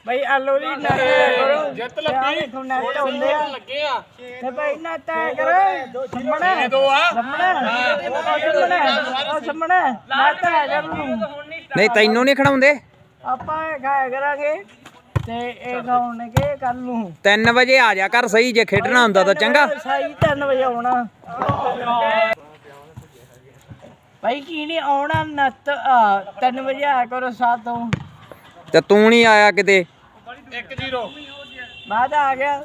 ਭਾਈ ਆਲੂ ਦੀ ਨੱਟ ਕਰੋ ਜਿੱਤ ਲੱਗੀ ਨੱਟ ਹੁੰਦੇ ਆ ਲੱਗੇ ਆ ਤੇ ਭਾਈ ਨੱਟ ਕਰੋ ਸਾਹਮਣੇ ਸਾਹਮਣੇ ਨੱਟ ਕਰ ਨੂੰ ਨਹੀਂ ਤੈਨੂੰ ਨਹੀਂ ਖੜਾਉਂਦੇ ਆਪਾਂ ਖਾਇਆ ਕਰਾਂਗੇ ਤੇ ਇਹ ਖਾਉਣਗੇ ਕੱਲ ਨੂੰ 3 ਵਜੇ ਆ ਜਾ ਕਰ ਸਹੀ ਜੇ ਖੇਡਣਾ ਹੁੰਦਾ ਤਾਂ ਚੰਗਾ ਸਹੀ 3 ਵਜੇ ਆਉਣਾ ਭਾਈ ਕੀ ਨਹੀਂ ਆਉਣਾ ਨੱਤ 3 ਵਜੇ ਆਇਆ ਕਰੋ 7 ਤੋਂ ਤੇ ਤੂੰ ਨਹੀਂ ਆਇਆ ਕਿਤੇ 1-0 ਬਾਅਦ ਆ ਗਿਆ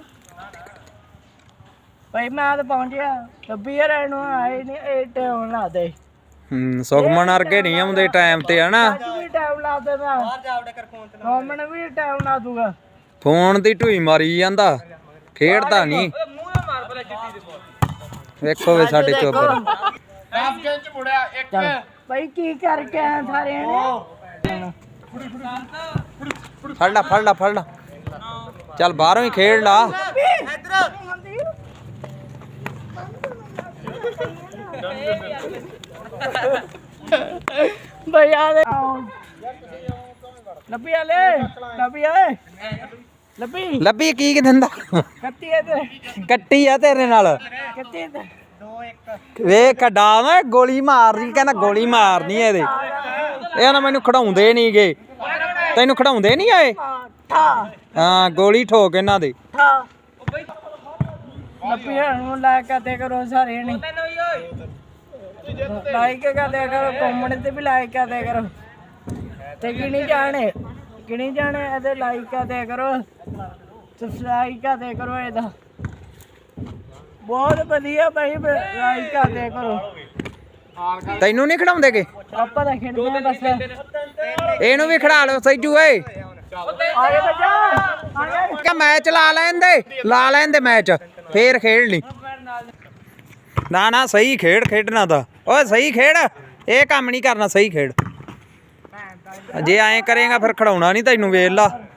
ਭਾਈ ਮੈਂ ਤਾਂ ਪਹੁੰਚ ਗਿਆ ਲੱਭੀ ਰਹਿਣ ਨੂੰ ਆਏ ਨਹੀਂ ਇਹ ਟਾਈਮ ਲਾ ਦੇ ਸੁਖਮਨ ਵਰਗੇ ਨਹੀਂ ਆਉਂਦੇ ਟਾਈਮ ਤੇ ਹਨਾ ਵੀ ਟਾਈਮ ਲਾ ਦੇ ਮੈਂ ਬਾਹਰ ਜਾ ਵੜੇ ਕਰ ਫੋਨ ਤੇ ਕੋਮਨ ਵੀ ਟਾਈਮ ਲਾ ਦੂਗਾ ਫੋਨ ਦੀ ਢੂਈ ਮਾਰੀ ਜਾਂਦਾ ਖੇਡਦਾ ਨਹੀਂ ਵੇਖੋ ਵੇ ਸਾਡੇ ਚੋਬਰ ਰਾਫਗਨ ਚ ਮੁੜਿਆ ਇੱਕ ਭਾਈ ਕੀ ਕਰਕੇ ਆ ਸਾਰਿਆਂ ਨੇ ਫੜ ਲਾ ਚੱਲ ਬਾਹਰੋਂ ਹੀ ਖੇਡ ਲਾ ਭਾਈ ਆ ਦੇ ਲੱਭੀ ਲੱਭੀ ਕੀ ਦਿੰਦਾ ਕੱਤੀ ਆ ਤੇ ਕੱਟੀ ਆ ਤੇਰੇ ਨਾਲ ਕੱਤੀ ਤੇ ਵੇਖ ਕੱਡਾ ਨਾ ਗੋਲੀ ਮਾਰਨੀ ਕਹਿੰਦਾ ਗੋਲੀ ਮਾਰਨੀ ਇਹਦੇ ਇਹ ਨਾ ਮੈਨੂੰ ਖੜਾਉਂਦੇ ਨਹੀਂਗੇ ਤੈਨੂੰ ਖੜਾਉਂਦੇ ਨਹੀਂ ਆਏ ਹਾਂ ਗੋਲੀ ਠੋਕ ਇਹਨਾਂ ਦੇ ਲੱਭੀ ਨੂੰ ਲਾਇਕ ਕਰਦੇ ਕਰੋ ਸਾਰੇ ਨੇ ਲਾਈਕ ਕਰਦੇ ਕਰੋ ਕਮੈਂਟ ਤੇ ਵੀ ਲਾਈਕ ਕਰਦੇ ਕਰੋ ਤੇ ਕਿਹਨੀ ਜਾਣੇ ਇਹਦੇ ਲਾਈਕ ਕਰਦੇ ਕਰੋ ਸਬਸਕ੍ਰਾਈਬ ਕਰਦੇ ਕਰੋ ਇਹਦਾ ਬਹੁਤ ਵਧੀਆ ਭਾਈ ਲਾਈਕ ਕਰਦੇ ਕਰੋ ਤੈਨੂੰ ਨਹੀਂ ਖੜਾਉਂਦੇਗੇ ਆਪਾਂ ਤਾਂ ਖੇਡਦੇ ਆ ਬਸ ਇਹਨੂੰ ਵੀ ਖੜਾ ਲਓ ਸੈਜੂ ਓਏ ਆਗੇ ਬੱਚਾ ਕਿ ਮੈਚ ਲਾ ਲੈਂਦੇ ਮੈਚ ਫੇਰ ਖੇਡ ਲਈ ਨਾ ਸਹੀ ਖੇਡਣਾ ਤਾਂ ਓਏ ਸਹੀ ਖੇਡ ਇਹ ਕੰਮ ਨਹੀਂ ਕਰਨਾ ਸਹੀ ਖੇਡ ਜੇ ਐਂ ਕਰੇਗਾ ਫਿਰ ਖੜਾਉਣਾ ਨਹੀਂ ਤੈਨੂੰ ਵੇਖ ਲਾ